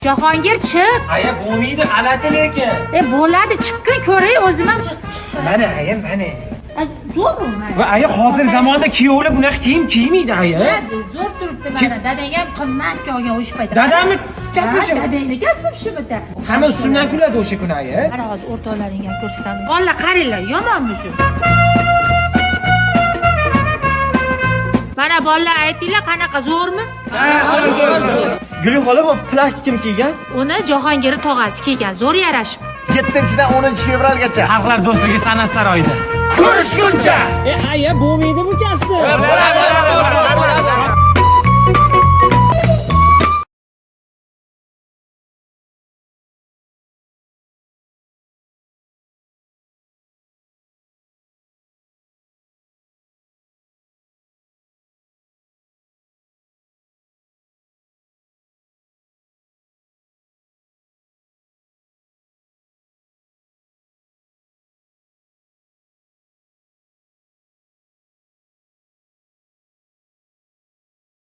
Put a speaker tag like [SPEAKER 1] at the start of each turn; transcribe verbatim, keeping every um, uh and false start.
[SPEAKER 1] Jahongir chiq.
[SPEAKER 2] Aya bo'lmaydi, g'alati lekin.
[SPEAKER 1] E bo'ladi, chiqqin ko'ray, o'zim ham.
[SPEAKER 2] Mana aya, mana.
[SPEAKER 1] Zo'rmi?
[SPEAKER 2] Va aya hozir zamonda kuyovlar bunaqa kiyim kiymaydi aya.
[SPEAKER 1] Zo'r turibdi mana. Dadang ham qimmatga olgan o'sha paytda.
[SPEAKER 2] Dadamni kasb
[SPEAKER 1] Dadangni kasb shu bitta.
[SPEAKER 2] hamma ustidan kuladi o'sha kuni aya.
[SPEAKER 1] Mana hozir o'rtoqlaringga ham ko'rsatamiz. Bolalar qaranglar, yomonmi shu? Mana bolalar aytinglar, qanaqa zo'rmi?
[SPEAKER 2] Ha, zo'r zo'r.
[SPEAKER 3] Guli xola bu plastik kim kiygan?
[SPEAKER 1] Uni Jahongir tog'asi kiygan, zo'r yarashib.
[SPEAKER 4] yettinchidan o'ninchi fevralgacha
[SPEAKER 3] Xalqlar do'stligi san'at saroyida.
[SPEAKER 4] ko'rishguncha
[SPEAKER 2] E aya bo'lmaydi bu kasb.
[SPEAKER 4] bo'ladi, bo'ladi, bo'ladi.